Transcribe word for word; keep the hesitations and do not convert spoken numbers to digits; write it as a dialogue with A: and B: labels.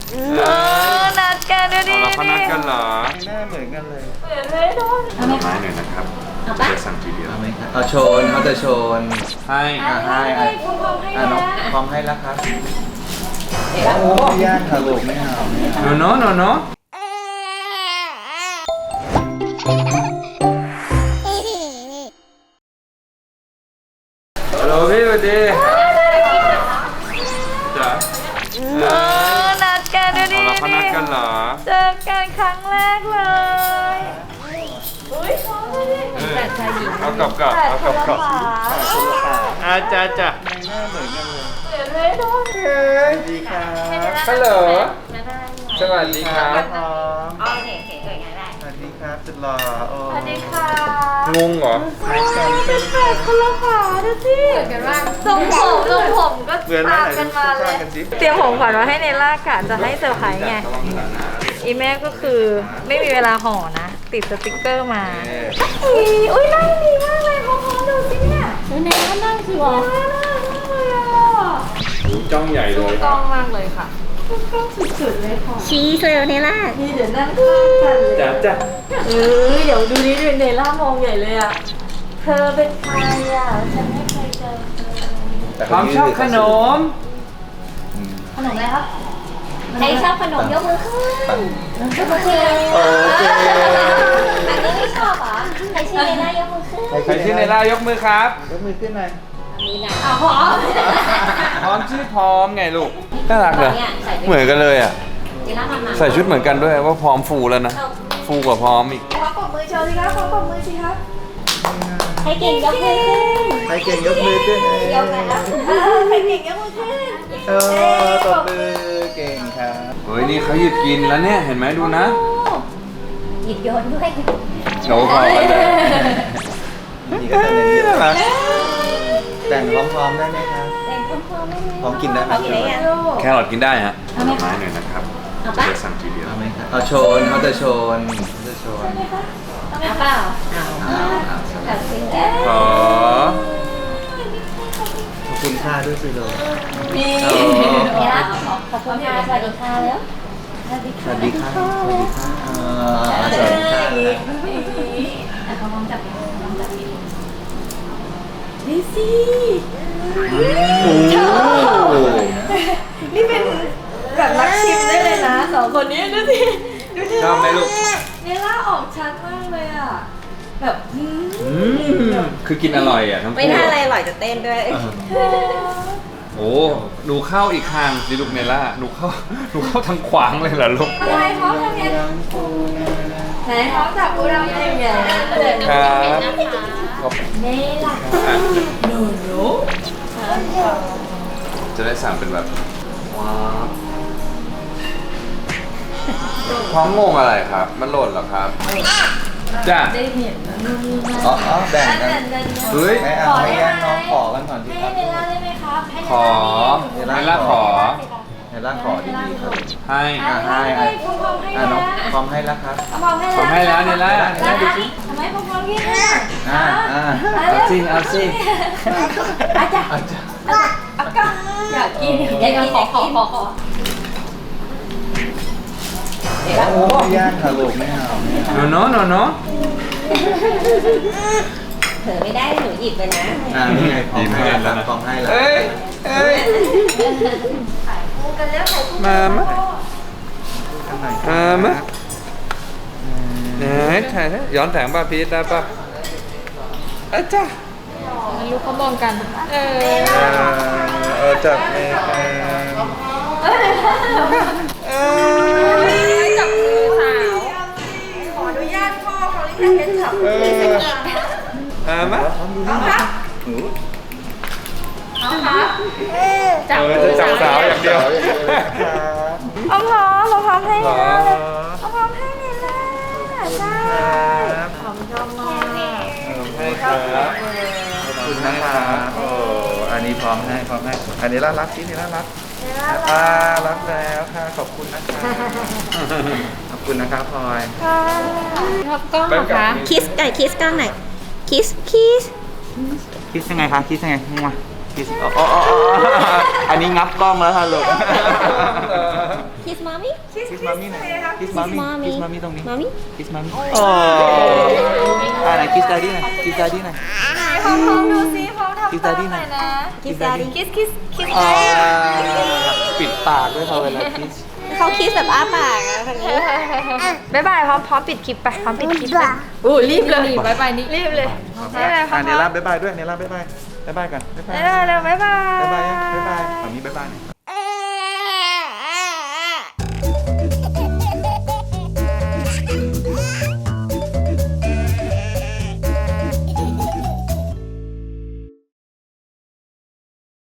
A: เออนัดกันดูดิ
B: เราเขานัดกันเหรอ
C: หน้าเหมือนกันเลย
A: เหมือนเลยโดน
B: ผลไม้หน่อยนะครับจะสั่งทีเดียว
C: เอาไหมครับเอาโชนเขาจะโชน
B: ให้
C: อ่ะให้อ่ะ
A: คุณพร้อมให้
C: อ่ะน้อง
A: นะ
C: พร้อมให้แล้วครับโอ้ยย่างค่ะลูกไม่เอาไม่เอา
B: โนโนโนโนฮัลโหลพี่สวัสดีจ๋า
A: เออนัดกันดูดิ
B: เราเขานัดกันเหรอ
A: เจอกันครั้งแรกเลยอุ้ยพร้อมเลยดิแต่ชายหญิง
B: เอากลับกลับเอากลับกลับอาจ้าจ้า
C: หน้าเหมือนกันเลย
A: เหมือนเลยโดน
C: เฮ้ยดีครับ
B: ฮัลโหลสวัสดีครับ
C: พร้อม
A: โอเคโอเคเอ่ยง่ายได้
C: สวัสดีครับสุดหล่อโอ้
A: สวัสดีค่ะ
B: งงเหรอ
A: เป็นแฝดคนละขาดูสิเหมือนกันมากทรงผมทรงผมก็
C: เหมือนไหม
A: ตาม
C: ไหน
A: กันมาเล
C: ข้าย งกันสิ
A: เตรียมของขวัญมาให้ในล่ากะจะให้เซอร์ไพรส์ไง อีแม่ก็คือไม่มีเวลาห่อนะ ติดสติกเกอร์มาอุ้ยอุ้ยนั่งดีมากเลยพร้อมๆดูสิเนี่ยดูในก็นั่งสิวะน่ารักมากเลยอ่ะ
B: จ้องใหญ่เลย
A: กล้องมากเลยค่ะกล้องสุดๆเลยค่ะ
D: ชี้เลยเนล่า
A: นี่เดี๋ยวนั่งข้างกันเลย
B: จ้าจ้า
A: เออเดี๋ยวดูนี่ดูเนล่ามองใหญ่เลยอ่ะเธอเป็นใครอ่ะฉันไม่เคยเจอเธอ
C: แต่
B: ความชอบขนม
C: อืม
A: ขนมอะไรครับ
D: ใครชอบขนมยกมือขึ้น
C: ตั้ง
D: ยกมือขึ้น
C: โอเค
D: อันนี้ไม่ชอบเหรอใครชื่อเนล่ายกมือขึ้น
B: ใครชื่อในล่ายกมือครับ
C: ยกมือขึ้นหน่อย
D: มีนะ
A: อ้าวพร้อม
B: พร้อมชื่อพร้อมไงลูก น่ารักเลย
D: เนี่ยใส่
B: เหมือนกันเลยอ่ะ
D: เนล่าทำมา
B: ใส่ชุดเหมือนกันด้วยว่าพร้อมฟูแล้วนะ ฟูกว่าพร้อมอีก
A: ขอปรบมือโชว์สิคะขอปรบมือสิคะ
D: ให้เก่งยกมือขึ้น
C: ใครเก่งยกมือขึ้นเลย
D: ยกแล้ว
A: เออใครเก่งยกมือขึ้น
C: เออตบมือเก่งครับ
B: เฮ้ยนี่เขาหยุดกินแล้วเนี่ย เห็นไหมดูนะ
D: หยิบโยนด้วย
B: โอ้พอกันเลย
C: นี่ก็จะเน้นเย
B: น่ารั
C: อะ
B: ก
C: แต่งพร้อมๆได้ไหมครับ
D: แต่งพร้อมๆได้ไหม
C: พร้อมกินได้ไหม
D: พร้อมกินได้ยัง
B: แครอทกินได้ฮะผลไม้หน่อยนะครับจะสั่งทีเดียว
C: เอาไหมครับเอาโชนเขาจะโชนเขาจะโชน
D: เอาเปล่าเอา
C: เอาเอา
D: ตัดสินแล้ว
B: ขอ
C: ขอบคุณค่าด้วยสิโล
A: นี่
C: โอ้
D: เนล่าขอบคุณค่ะสวัสดีค่ะแล้วสวัสดี
C: ส
D: ค่ะ
C: วัสดีค่ะสวัสดีค่ะอ่าสวัสดีค่ะเลย
D: อ่ะเขาลองจับลองจับ
A: ดิซี่
C: โอ้
A: นี่เป็นแบบนักชิมได้เลยนะสองคนนี้ดูสิดูสิ
B: ชอบไหมลูก
A: เนล่าออกชัดมากเลยอ่ะ แบบอืม
B: อืมคือกินอร่อยอ่ะทั้ง
D: ไม่
B: คู่
D: น่าอะไรอร่อยจะเต้นด้วย
B: โอ้ดูเข้าอีกข้างสิลูกเนล่าดูเข้าดูเข้าทางขวางเลยเหรอลูก
A: ทำไมเขาทำไงไหนเขาจับกูเราอย่างเงี้ยเลย
B: ครับขอบ
A: เนล่า
B: อ่ะ
A: โนโน
B: จะได้สั่งเป็นแบบว้าวพร้อมงงอะไรครับ มันหล่นเหรอครับจ้า
A: ได้เห็นนะนู่นนี่นั่น
C: อ๋ออ๋อแบ่งกัน
B: เฮ้ย
C: ไม่เอาไม่แย่งน้องขอกันก่อนสิค
A: ให้
C: รับ
A: เนล่าได้ไหมครับให้
B: ขอเนล่าขอ
C: ในร่างขอดีๆครับ
B: ให้
C: อ่ะให้
A: ให้
C: อ่ะ
A: พร้อมๆให้
C: อ่ะน้อง
A: นะ
C: พร้อมให้แล้วครับ
A: พร้อมให้
B: ผมให้แล้วเนล่า
A: แล้วทำไมพร้อมๆพี่เนี่ย
C: อ่าอ่า
B: เอาสิเอาสิ
A: อาจารย์
C: อาจจะ
A: อากาอยากกินอยากกินขอขอขอขอ
C: โอ้ยย่างค่ะลูกไม่เอาไม่เอา
B: โนโนโนโน
D: เผลอไม่ได้หนูหยิบไปนะ
C: อ่านี่ไงพร้อมให้แล้วครับพร้อมให้แล้ว
B: เอ้ยเอ้ย
A: คู่กันแล้วถ่ายคู่
B: มามะ
C: ข้างใน
B: มามะไหนถ่ายนะย้อนแสงป่ะพีทได้ป่ะอาจ้า
A: ไม่รู้เขามองกัน เออ
C: เออเออจับเองเออ
A: จับมือสาว ขออนุญาตพ่อเขาเรียกเป็นฉับ
C: เออ
B: มามะ
A: เอาครับ
C: หนู
A: เอาครับ
B: จับจะจับสาวอย่างเดียว
C: ครับ
A: เอาพร้อมเราพร้อมให้
B: ขอ
A: นะเอาพร้อมให้เลยนะใช่ขอบคุณชอบมาก
B: ให้ครับ
C: ขอบคุณนะครับโอ้อันนี้พร้อมให้พร้อมให้อันนี้น่ารักที่นี่น่ารักอ่ารักแล้วค่ะขอบคุณนะคะขอบคุณนะครับพลอย
A: ชอบกล้องเหรอคะ
D: คิสไก่คิสกล้องหน่อยคิสคิส
C: คิดยังไงคะคิดยังไงมาคิดอ๋ออ๋ออ๋ออันนี้งับกล้องแล้วค่ะลูก
D: คิสมามี่
A: คิส
C: คิ
A: คิ
C: ส
A: ส
C: มามี่หน่อยคิสมามี่คิสมามี่ตรงนี้
D: มามี่
C: คิสมามี่โอ้อ่าไหนคิสดาดี้หน่อยคิสดาดี้หน่อย
A: ไหนพร้อมพร้อมดูซิพร้อมทำ
C: คิส
A: ตา
C: ดาม ดี้
A: ห
C: หน่
A: น่
C: อ
A: อย ยนะ
C: คิสดาดี้
A: คิสคิสคิส
C: อ่าปิดปากด้วยเขาเวลาคิส
D: เขาคิสแบบอ้าปากอะคนนี้
A: บ๊ายบายพร้อมพร้อมปิดคลิปไปพร้อมปิดคลิปไปอู้รีบเลยบ๊ายบายนี่รีบเลยบ๊ายบายพร้อ
C: อ่าม เน
A: พร้อ
C: ล่าม บ๊ายบายด้วยเนล่าบ๊ายบายบ๊ายบายกันบ๊ายบาย
A: บ๊ายบายเร็วบ๊ายบาย
C: บ๊ายบายบ๊ายบายแบบนี้บ๊ายบายหน่อย